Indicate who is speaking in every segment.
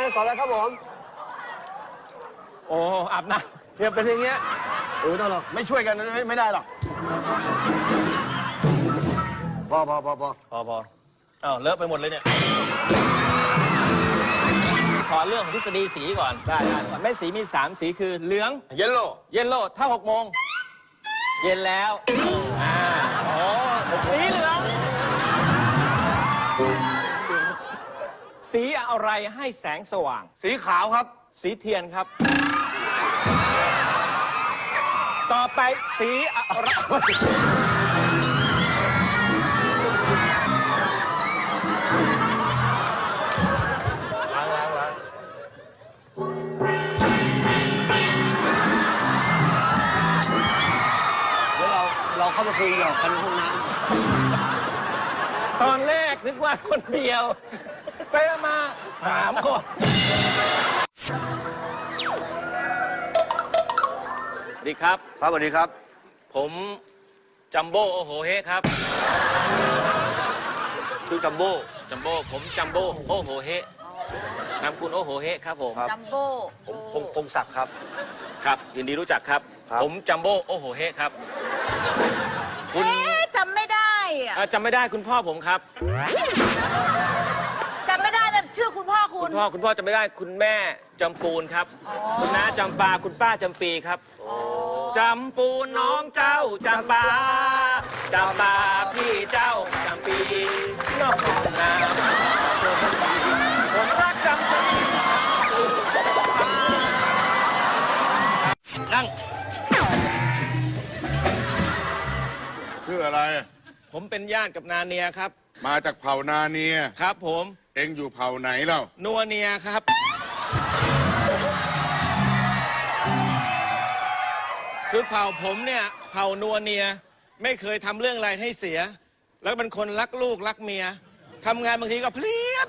Speaker 1: สอนอะไรครับผม
Speaker 2: โอ้อาบน้ำ
Speaker 1: เนี่ยเป็นอย่างเงี้ยไม่ต้องหรอกไม่ช่วยกันไม่ได้หรอกพออ้าวเลอะไปหมดเลยเนี่ย
Speaker 2: สอนเรื่องของทฤษฎีสีก่อนได้แม่สีมี3 สีคือเหลือง
Speaker 1: เยลโล่
Speaker 2: ถ้า6 โมงเย็นแล้วสีเหลืองสีอะไรให้แสงสว่าง
Speaker 1: สีขาวครับ
Speaker 2: สีเทียนครับต่อไปสีอะไร
Speaker 1: ล้างเดี๋ยวเราเข้ามาคุยกันในห้องน้
Speaker 2: ำตอนแรกนึกว่าคนเดียวไปมา3 คนสวัสดีครับ
Speaker 1: สวัสดีครับ
Speaker 2: ผมจัมโบ้โอโหเฮครับ
Speaker 1: ชื่อจัมโบ้
Speaker 2: ผมจัมโบ้โอโหเฮนามคุณโอโหเฮครับผม
Speaker 3: จัมโบ้
Speaker 1: ผมพงศักดิ์ครับ
Speaker 2: ครับยินดีรู้จักครับผมจัมโบ้โอโหเฮครับ
Speaker 3: คุณจำไม่ได้
Speaker 2: จำไม่ได้คุณพ่อผมครับ
Speaker 3: จำไม่ได้นะชื่อคุณพ่อคุณ
Speaker 2: พ่อจำไม่ได้คุณแม่จำปูนครับคุณน้าจำปาคุณป้าจำปีครับจำปูนน้องเจ้าจำปาพี่เจ้าจำปีน้องนาผมรักจำปี
Speaker 1: นั่งชื่ออะไร
Speaker 2: ผมเป็นญาติกับนาเนียครับ
Speaker 1: มาจากเผ่านาเนีย
Speaker 2: ครับผม
Speaker 1: เอ็งอยู่เผ่าไหนเล่า
Speaker 2: นัวเนียครับคือเผ่าผมเนี่ยเผ่านัวเนียไม่เคยทำเรื่องอะไรให้เสียแล้วเป็นคนรักลูกรักเมียทำงานบางทีก็เพลีย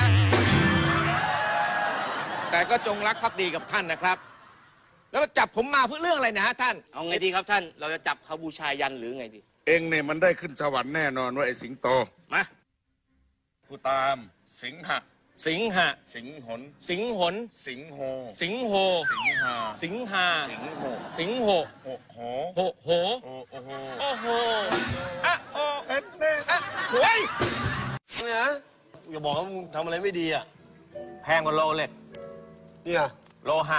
Speaker 2: แต่ก็จงรักภักดีกับท่านนะครับแล้วจับผมมาเพื่อเรื่องอะไรนะฮะท่าน
Speaker 4: เอาไงดีครับท่านเราจะจับเขาบูชายันหรือไงดี
Speaker 1: เอ็งเนี่ยมันได้ขึ้นสวรรค์แน่นอนว่าไอ้สิงโต
Speaker 4: มา
Speaker 1: ผู้ตามสิงหะ
Speaker 2: สิงหน
Speaker 1: สิงห
Speaker 2: น
Speaker 1: สิงโห
Speaker 2: สิงหา
Speaker 1: สิงโห
Speaker 2: สิงโห
Speaker 1: โห
Speaker 2: โอ้โหอะโอ้อะโว้ย
Speaker 1: เนี่ยอย่าบอกว่ามึงทำอะไรไม่ดีอ่ะ
Speaker 2: แพงกว่าโลเล็ก
Speaker 1: เนี่ย
Speaker 2: โลหะ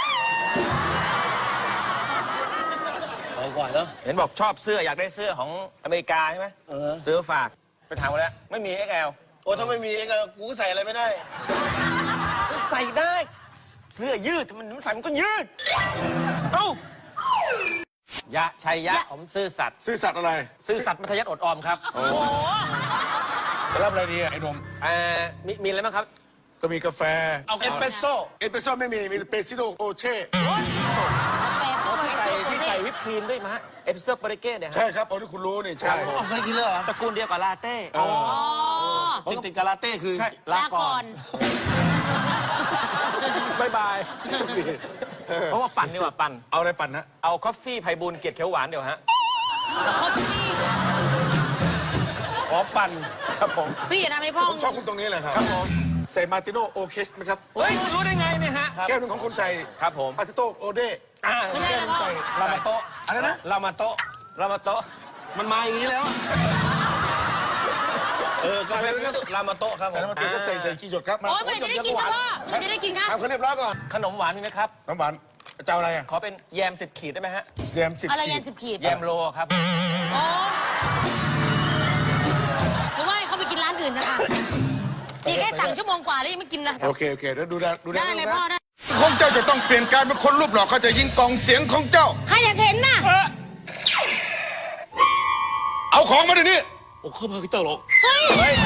Speaker 1: เอาก่อนเนาะ
Speaker 2: เห็นบอกชอบเสื้ออยากได้เสื้อของอเมริกาใช่ไหมซื้อฝากไปถามมาแล้วไม่มี XL
Speaker 1: โอ้ถ้าไม่มีเองกูใส่อะไรไม่ได้
Speaker 2: ใส่ได้เสื้อยืดมันใส่มันก็ยืดเอ้ายะชัยยะผมซื่อสัตย์
Speaker 1: อะไร
Speaker 2: ซื่อสัตย์มัธยัสถ์อดออมครับ
Speaker 3: โอ้โห
Speaker 1: จะรับอะไรดีไอ้นม
Speaker 2: มีอะไรบ้างครับ
Speaker 1: ก็มีกาแฟเอาเอสเปรสโซ่ไม่มีเปซิโดโอเช่
Speaker 2: ที่ใส่วิปครีมด้วยมะเอสเปรสโซ่ปาเรเก้เนี่ย
Speaker 1: ใช่ครับเอาที่คุณรู้นี่ใช่เอาเคยกินเลยเหรอ
Speaker 2: ตระกูลเดียวกับลาเต้
Speaker 1: ติดกับลาเต้คือ
Speaker 2: ใช่ลาก่อนบาย
Speaker 1: โชคดี
Speaker 2: เพราะว่าปั่นนี่ว่าปั่น
Speaker 1: เอาอะไรปั่นนะ
Speaker 2: เอาคอฟฟี่ไพบูลย์เกียรติเขียวหวานเดี๋ยวฮะ
Speaker 1: ขอปั่น
Speaker 2: ครับผม
Speaker 3: พี่อย่าทำให้พ่อ
Speaker 1: ผมชอบคุณตรงนี้เลยครับ
Speaker 2: ครับผม
Speaker 1: ใส่มาติโนโอเคสไหมครับ
Speaker 2: เฮ้ยรู้ได้ไงเนี่ยฮะ
Speaker 1: แก้วนึงของคุณใส่
Speaker 2: ครับผม
Speaker 1: อาติโตโอเด
Speaker 3: ไม่ใช่
Speaker 1: ใส่ลามาโตอะไรนะลามาโตมันมาอย่างนี้แล้วก็ใส่ลามาโตครับใส่ลามาโตก็ใส่กี่หยดครับ
Speaker 3: โอ้ยจะได้กินนะพ่อจะได้กินครับ
Speaker 1: ทำเขาเรียบร้อยก่อน
Speaker 2: ขนมหวานมีไหมครับ
Speaker 1: น้ำหวานเจ้าอะไรอ่ะ
Speaker 2: ขอเป็นแยม10 ขีดได้ไหมฮะ
Speaker 1: แยม10
Speaker 3: อะไรแยม10 ขีด
Speaker 2: แยมโลครับ
Speaker 3: โอ้หรือว่าเขาไปกินร้านอื่นนะคะนี่แค่สั่งชั่วโมงกว่าแล้วยังไม่กินเลย
Speaker 1: โอเคเดี๋ยวดูได้
Speaker 3: เลยพ่อได้
Speaker 1: ของเจ้าจะต้องเปลี่ยนการเป็นคนรูปหล่อเขาจะยิงกองเสียงของเจ้า
Speaker 3: ใครอยากเห็นน่ะ
Speaker 1: เอาของมาเดี๋ยวนี้
Speaker 4: โอ้เข้ามากับเจ้าหรอก
Speaker 3: เฮ้ย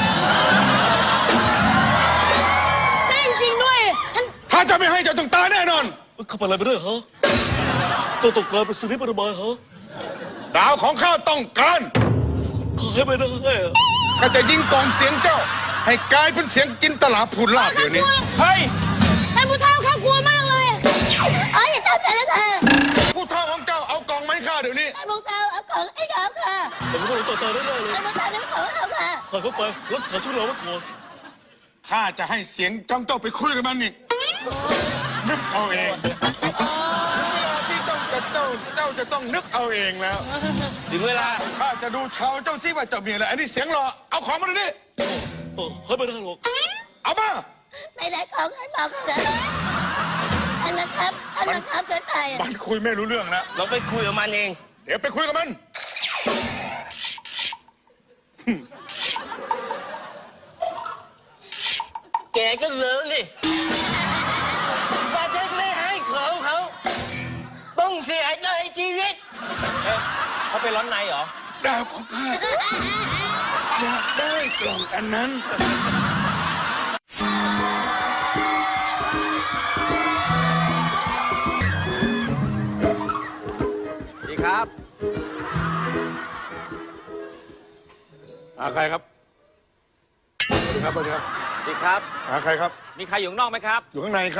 Speaker 3: ได้จริงด้วย
Speaker 1: ถ้าจะไม่ให้เจ้าต้องตายแน่นอน
Speaker 4: เข้าไปอะไรไปด้วยฮะเจ้าต้องการเป็นสิริปรมาฮะ
Speaker 1: ดาวของข้าต้องการ
Speaker 4: ขอให้ไปได้
Speaker 1: ข้าจะยิงกองเสียงเจ้าให้กลายเป็นเสียงจินตลาภูลาภเดี๋ยวนี้
Speaker 2: เฮ้ย
Speaker 3: ท่านผู้เฒ่าข้ากลัวมากเลยอย่าทำแต่ละเธอ
Speaker 1: ผู้เฒ่าของเจ้าเอากองไม้ข้าเดี๋ยวนี้
Speaker 3: ท่านผู้เฒ่าเอากองให้ข้าค่ะ
Speaker 4: ผมไม่ต้องต่อได้เลย
Speaker 3: ท่านผู้เฒ่านี่ของเขาค่ะ
Speaker 4: พาเขาไปรักษาชุดเราไว้ก่อน
Speaker 1: ข้าจะให้เสียงจ้องเจ้าไปคุยกับมันอีกนึกเอาเองถึงเวลาที่เจ้าจะต้องนึกเอาเองแล้ว
Speaker 4: ถึงเวลา
Speaker 1: ข้าจะดูเชาเจ้าซิว่าเจ้ามีอะไรอันนี้เสียงหล่อเอาของมาดูดิ
Speaker 4: เฮ้ยไม่ได้หรอก
Speaker 1: เอามา
Speaker 5: ไม่ได้ของกันบอกกันเลยอันนะครับเกินไป
Speaker 1: มันคุยไม่รู้เรื่องแล้ว
Speaker 4: เราไปคุยกับมันเอง
Speaker 1: เดี๋ยวไปคุยกับมัน
Speaker 4: แกก็เลิกสิฟาเทคไม่ให้ของเขาต้องเสียใจชีวิต
Speaker 2: เขาไปร้อนในเหรอ
Speaker 1: ดาวของข้าอยากได้กล่องอันนั้น
Speaker 2: ดีครับ
Speaker 1: หาใครครับสวัสดีครับสวัสดีครับ
Speaker 2: ดีครับ
Speaker 1: หาใครครับ
Speaker 2: มีใครอยู่ข้างนอกไหมครับ
Speaker 1: อยู่ข้างในครับ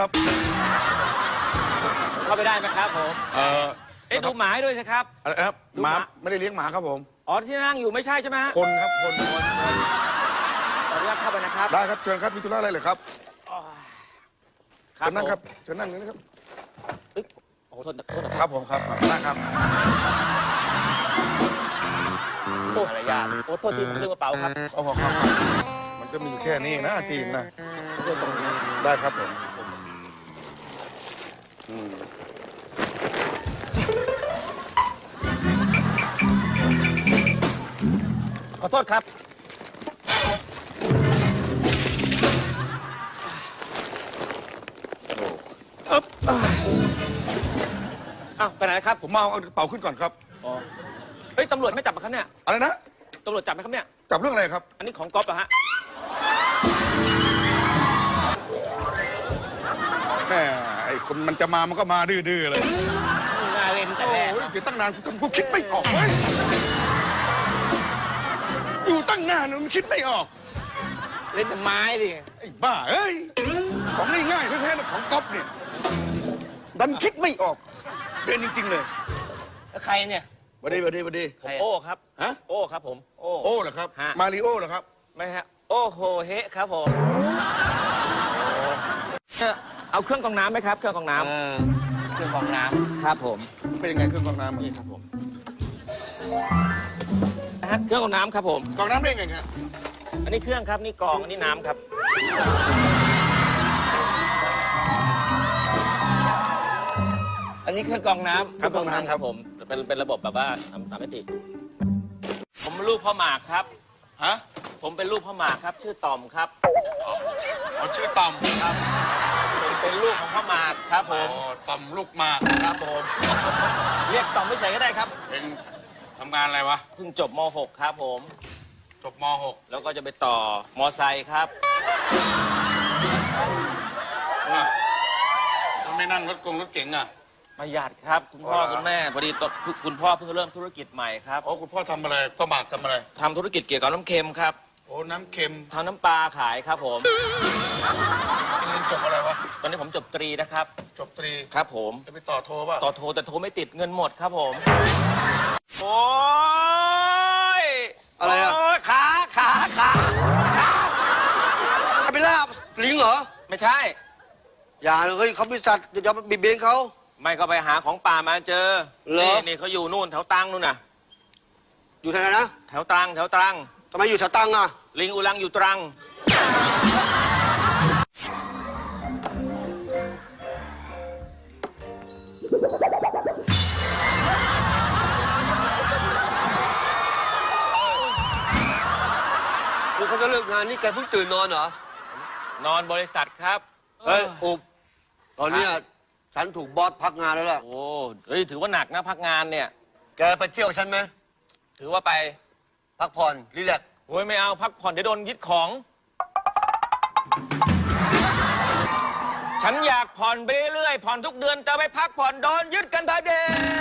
Speaker 2: เข้าไปได้ไหมครับผม
Speaker 1: เอ่อ
Speaker 2: ดูหมาให้ด้วยสิครับ
Speaker 1: อะไรครับ
Speaker 2: ดู
Speaker 1: ห
Speaker 2: ห
Speaker 1: มา
Speaker 2: มา
Speaker 1: ไม่ได้เลี้ยงหมาครับผม
Speaker 2: อ๋อที่นั่งอยู่ไม่ใช่ใช่ไหมฮะ
Speaker 1: คนครับคน
Speaker 2: ขออนุญาตเข้าไปนะครับ
Speaker 1: ได้ครับเชิญครับมีธุระอะไรเหรอครับ
Speaker 2: ครั
Speaker 1: เชิญนั่งครับ
Speaker 2: ผม
Speaker 1: เชิญนั่งเลยนะครับ
Speaker 2: เอ้ยโอ้โหโทษนะ
Speaker 1: ครับผมครับนั่งครับ
Speaker 2: โอ้โอ้โทษทีผมลืมกระเป๋าครับ
Speaker 1: เอาพอครับมันก็มีอยู่แค่นี้เองนะทีมนะ
Speaker 2: ช่วยตรงนี้
Speaker 1: ได้ครับผม
Speaker 2: ขอโทษครับ อ้าวไปไหนครับ
Speaker 1: ผมมาเอากระเป๋าขึ้นก่อนครับ
Speaker 2: อ๋อเฮ้ยตำรวจไม่จับปะครับเนี่ย
Speaker 1: อะไรนะ
Speaker 2: ตำรวจจับไหมครับเนี่ย
Speaker 1: จับเรื่องอะไรครับ
Speaker 2: อันนี้ของก๊อฟอะฮะ
Speaker 1: แม่ไอ้คนมันจะมามันก็มาดื้อๆเลย
Speaker 4: น่าเล่นแต่แรก
Speaker 1: โอ้ยอยู่ตั้งนานกูคิดไม่ออกเว้ยอยู่ตั้งนานมันคิดไม่ออก
Speaker 4: เล่นแต่ไม้ดิ
Speaker 1: ไอ้บ้าเอ้ยของง่ายๆแท้ๆนะของก๊อฟเนี่ยดันคิดไม่ออกเป็นจริงๆเลย
Speaker 4: แล้วใครเนี่ย
Speaker 1: บัดดีบัดดีบัดดี
Speaker 2: ผมโอ้ครับ
Speaker 1: ฮะ
Speaker 2: โอ้ครับผม
Speaker 4: โอ้
Speaker 1: โอ้เหรอครับ
Speaker 2: ฮะ
Speaker 1: มาริโอเหรอครับ
Speaker 2: ไม่ฮะ โอ้โหเฮะครับผมเอาเครื่องกรองน้ำไหมครับ เครื่องกรองน้
Speaker 4: เครื่องกรองน้
Speaker 2: ำครับผม
Speaker 1: เป็นยังไงเครื่องกรองน้ำ
Speaker 2: นี่ครับผมนะฮะเครื่องกรองน้ำครับผม
Speaker 1: กรองน้ำได้ไงครับ
Speaker 2: อันนี้เครื่องครับนี่กรองอันนี้น้ำครับ
Speaker 4: ำอันนี้เครื่องกรองน้ำ
Speaker 2: ครับกรองน้ำครับผมเป็นระบบแบบว่าสามมิติผมลูกพ่อหมากครับ
Speaker 1: ฮะ
Speaker 2: ผมเป็นลูกพ่อหมากครับ ชื่อต่อมครับ
Speaker 1: เอาชื่อต่อมครับ
Speaker 2: ผมเป็นลูกของพ่อหมากครับผม
Speaker 1: ต่อมลูกหมาก
Speaker 2: ครับผม เรียกต่อมไม่ใช่ก็ได้ครับ
Speaker 1: เป็นทำงานอะไรวะ
Speaker 2: เพิ่งจบม .6 ครับผม
Speaker 1: จบม
Speaker 2: แล้วก็จะไปต่อมไซค์ครับ
Speaker 1: .6 ว่ามันไม่นั่งรถเก๋งอ่ะ
Speaker 2: ประหยัดครับคุณพ่อคุณแม่พอดีคุณพ่อเพิ่งเริ่มธุรกิจใหม่ครับ
Speaker 1: โอ้คุณพ่อทำอะไรพ่อหมากทำอะไร
Speaker 2: ทำธุรกิจเกี่ยวกับน้ำเค็มครับ
Speaker 1: โอ้น้ำเค็ม
Speaker 2: ทำน้ำปลาขายครับผม
Speaker 1: เรียนจบอะไรวะ
Speaker 2: ตอนนี้ผมจบตรีนะครับ
Speaker 1: จบตรี
Speaker 2: ครับผม
Speaker 1: จะไปต่อโทป่ะ
Speaker 2: ต่อโทรแต่โทรไม่ติดเงินหมดครับผม โอ้ย
Speaker 4: อะไรอะ
Speaker 2: โยขา
Speaker 4: ไปล่าลิงเหรอ
Speaker 2: ไม่ใช่
Speaker 4: อย่าเลยเฮ้ยเขาเป็นสัตว์อย่าไปบีบเบนเขา
Speaker 2: ไม่ก็ไปหาของป่ามาเจอ
Speaker 4: เหรอ
Speaker 2: นี่เขาอยู่นู่นแถวตรังนู่นน่ะ
Speaker 4: อยู่ที่ไหนนะ
Speaker 2: แถวตรัง
Speaker 4: ทำไมอยู่แถวตังอ่ะ
Speaker 2: ลิงอุลังอยู่ตรัง
Speaker 4: คือเขาจะเลิกงานนี่แกเพิ่งตื่นนอนเหรอ
Speaker 2: นอนบริษัทครับ
Speaker 4: เฮ้ยอุบตอนเนี้ยฉันถูกบอสพักงานแล้วล่ะ
Speaker 2: โอ้เฮ้ยถือว่าหนักนะพักงานเนี่ย
Speaker 4: แกไปเที่ยวฉันไหม
Speaker 2: ถือว่าไป
Speaker 4: พักผ่อนรีแลกซ์
Speaker 2: โอ้ยไม่เอาพักผ่อนเดี๋ยวโดนยึดของ ฉันอยากผ่อนไปเรื่อยๆผ่อนทุกเดือนแต่ไปพักผ่อนโดนยึดกันพอดี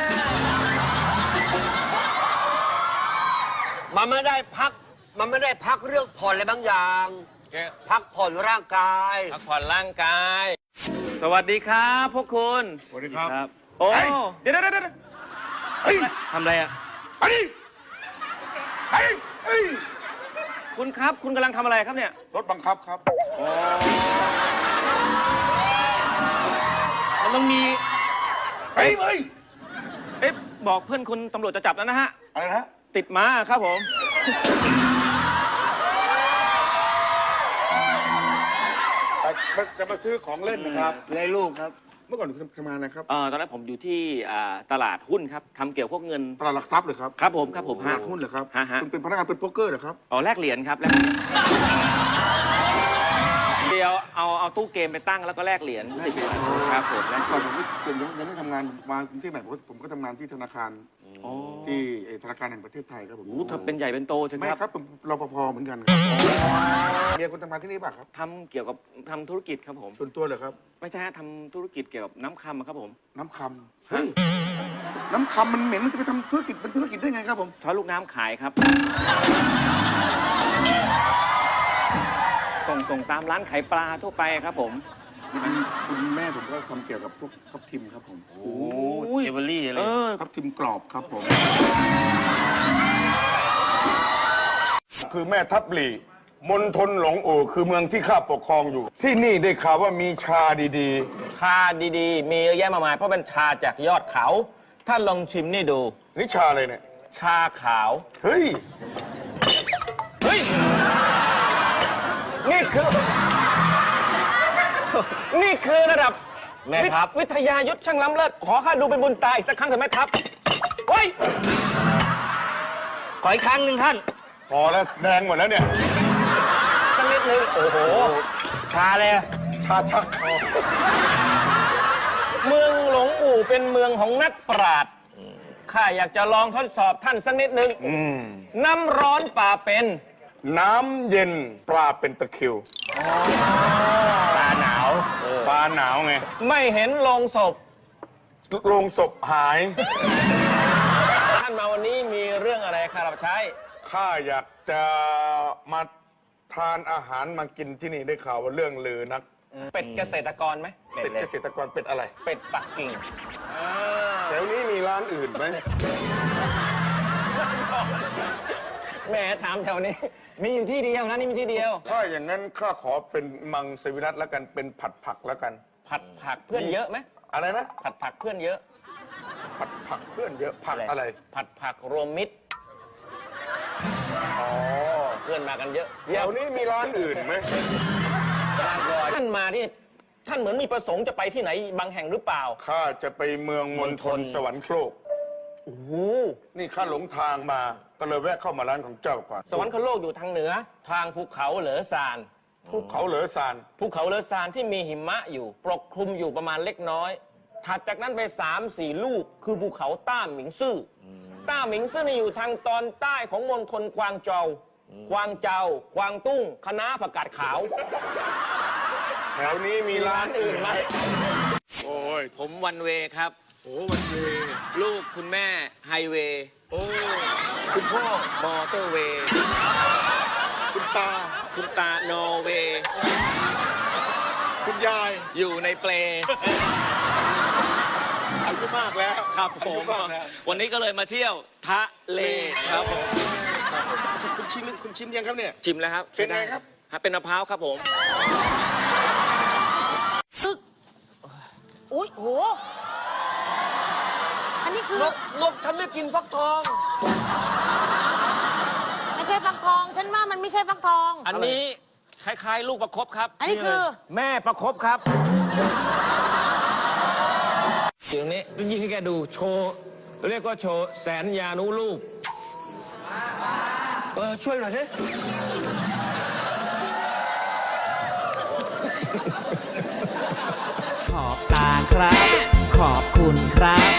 Speaker 4: มันไม่ได้พักเรื่องผ่อนอะไรบางอย่าง พักผ่อนร่างกาย
Speaker 2: พักผ่อนร่างกาย สวัสดีครับพวกคุณ
Speaker 1: สวัสดีครับ
Speaker 2: โอ้
Speaker 1: เฮ้ย
Speaker 2: เดี๋ยว
Speaker 1: เฮ้ย
Speaker 4: ทำอะไรอ่ะ
Speaker 1: ไปดิเฮ้ยเฮ้ย
Speaker 2: คุณครับคุณกำลังทำอะไรครับเนี่ย
Speaker 1: รถบังคับครับ
Speaker 2: มันต้องมี
Speaker 1: เฮ้ยเฮ้ย
Speaker 2: เอ๊ะบอกเพื่อนคุณตำรวจจะจับแล้วนะฮะ
Speaker 1: อะไรนะ
Speaker 2: ติดม้าครับผม
Speaker 1: จะมาซื้อของเล่นนะครับ
Speaker 4: ไรลูกครับ
Speaker 1: เมื่อก่อนคุณทำงานนะครับ
Speaker 2: ตอนแรกผมอยู่ที่ตลาดหุ้นครับทำเกี่ยวกับพวกเงิน
Speaker 1: ตลาดหลักทรัพย์เหรอครับ
Speaker 2: ครับผมครับผม
Speaker 1: ตลาดหุ้นเหรอครับ
Speaker 2: ฮะ
Speaker 1: คุณเป็นพนักงานเป็นโป๊กเกอร์เหรอครับ
Speaker 2: อ๋อแลกเหรียญครับแลกเหรียญเดี๋ยวเอาตู้เกมไปตั้งแล้วก็แลกเหรียญ10 บาทครับผมแลก
Speaker 1: ก่อนผมยังไม่ทำงานมากรุงเทพใหม่ผมก็ทำงานที่ธนาคาร
Speaker 2: อ๋อ
Speaker 1: ที่ธนาคารแห่งประเทศไทยครับผม
Speaker 2: โอ้ถ้าเป็นใหญ่เป็นโตใช่ไหม
Speaker 1: ไม่
Speaker 2: ครับ
Speaker 1: ครับผมรปภเหมือนกันครับเมียคุณทำงานที่นี่ป่ะครับ
Speaker 2: ทำเกี่ยวกับทำธุรกิจครับผม
Speaker 1: ส่วนตัวเหรอครับ
Speaker 2: ไม่ใช่ฮะทำธุรกิจเกี่ยวกับน้ำคำครับผม
Speaker 1: น้ำคำเฮ้ยน้ำคำมันเหม็นมันจะไปทำธุรกิจเป็นธุรกิจได้ไงครับผม
Speaker 2: ช้อนลูกน้ำขายครับ ส่งตามร้านขายปลาทั่วไปครับผม
Speaker 1: คุณแม่ผมก็ทำเกี่ยวกับพวกทับทิมครับผม
Speaker 4: โอ้เจเวลรี่อะไร
Speaker 1: ทับทิมกรอบครับผม คือแม่ทับหลีมณฑลหลงโอคือเมืองที่ข้าปกครองอยู่ ที่นี่ได้ข่าวว่ามีชาดี
Speaker 2: ชาดีๆ มีเยอะแยะมากมายเพราะเป็นชาจากยอดเขาท่านลองชิมนี่ดู
Speaker 1: ๆนี่ชาอะไรเนี่ย
Speaker 2: ชาขาว
Speaker 1: เฮ้ย
Speaker 2: เฮ้ย นี่คือระดับ
Speaker 4: แม่ทัพ
Speaker 2: วิทยายุทธช่างล้ำเลิศขอข้าดูเป็นบุญตาอีกสักครั้งเถอะแม่ทัพเฮ้ย
Speaker 4: ขออีกครั้งหนึ่งท่าน
Speaker 1: พอแล้วแดงหมดแล้วเนี่ย
Speaker 2: สักนิดนึงโอ้โห
Speaker 4: ชาเลย
Speaker 1: ชาชัก
Speaker 2: เมืองหลงอู่เป็นเมืองของนักปราชญ์ข้าอยากจะลองทดสอบท่านสักนิดนึงน้ำร้อนป่าเป็น
Speaker 1: น้ำเย็นปลาเป็นตะคริว
Speaker 2: ปลาหนาว
Speaker 1: ปลาหนาวไง
Speaker 2: ไม่เห็นโลงศพ
Speaker 1: โรงศพหาย
Speaker 2: ท่านมาวันนี้มีเรื่องอะไรข้ารับใช้
Speaker 1: ข้าอยากจะมาทานอาหารมากินที่นี่ได้ข่าวว่าเรื่องลือนัก
Speaker 2: เป็ดเกษตรกรไหม
Speaker 1: เป็นเกษตรกรเป็ดอะไร
Speaker 2: เป็ดปักกิ่ง
Speaker 1: แถวนี้มีร้านอื่นไหม
Speaker 2: แหม่ถามแถวนี้ มีอยู่ที่เดียวนะนี่มีที่เดียว
Speaker 1: ถ้าอย่างนั้นข้าขอเป็นมังสวิรัตแล้วกันเป็นผัดผักแล้วกัน
Speaker 2: ผัดผักเพื่อนเยอะไหม
Speaker 1: อะไรนะ
Speaker 2: ผัดผักเพื่อนเยอะ
Speaker 1: ผัดผักเพื่อนเยอะผักอะไร
Speaker 2: ผัดผักรวมมิตร
Speaker 1: อ๋อ
Speaker 2: เพื่อนมากันเยอะ
Speaker 1: แถวนี้มีร้านอื่นไหม
Speaker 2: ท่านมาที่ท่านเหมือนมีประสงค์จะไปที่ไหนบางแห่งหรือเปล่า
Speaker 1: ข้าจะไปเมืองมณฑลสวรรคโลก
Speaker 2: โอ้โห
Speaker 1: นี่ข้าหลงทางมาก็เลยแวะเข้ามาร้านของเจ้าก่อน
Speaker 2: สวรรคโลกอยู่ทางเหนือ ทางภูเขาเหลอซาน
Speaker 1: ภูเขาเหลือซาน
Speaker 2: ภูเขาเลอซานที่มีหิมะอยู่ปกคลุมอยู่ประมาณเล็กน้อย ถัดจากนั้นไป3-4 ลูกคือภูเขาต้าหมิงซื่ออต้าหมิงซื่อนี่อยู่ทางตอนใต้ของมณฑลกวางโจวกวางเจากวางตุ้งคะน้าผักกาดขาว
Speaker 1: แถวนี้มีร้านอื่นไหม
Speaker 2: โอ้ยผมวันเวครับ
Speaker 1: โอ้วันเว
Speaker 2: ลูกคุณแม่ไฮเวย์
Speaker 1: โอ้คุณพ่อ
Speaker 2: มอเตอร์เวย์
Speaker 1: คุณตา
Speaker 2: คุณตาโนเวย์
Speaker 1: คุณยาย
Speaker 2: อยู่ในเปล
Speaker 1: อายุมากแล้ว
Speaker 2: ครับผม
Speaker 1: อายุมากแล้ว
Speaker 2: วันนี้ก็เลยมาเที่ยวทะเลครับผม
Speaker 1: คุณชิมยังครับเนี่ย
Speaker 2: ชิมแล้วครับ
Speaker 1: เป็นไงครับ
Speaker 2: เป็นมะพร้าวครับผม
Speaker 3: ตึกอุ้ยโห อันนี้คือ
Speaker 4: นกฉันไม่กินฟักทอง
Speaker 3: ไม่ใช่ฟักทอง ฉันว่ามันไม่ใช่ฟักทอง
Speaker 2: อันนี้คล้ายๆ ลูกประคบครับ
Speaker 3: อันนี้คือ
Speaker 2: แม่ประคบครับเดี๋ยวนี้ยิ่งให้แกดูโชว์เรียกว่าโชว์แสนยานุรูป
Speaker 4: ช่วยหน่อยสิ
Speaker 6: ขอบตาครับ ขอบคุณครับ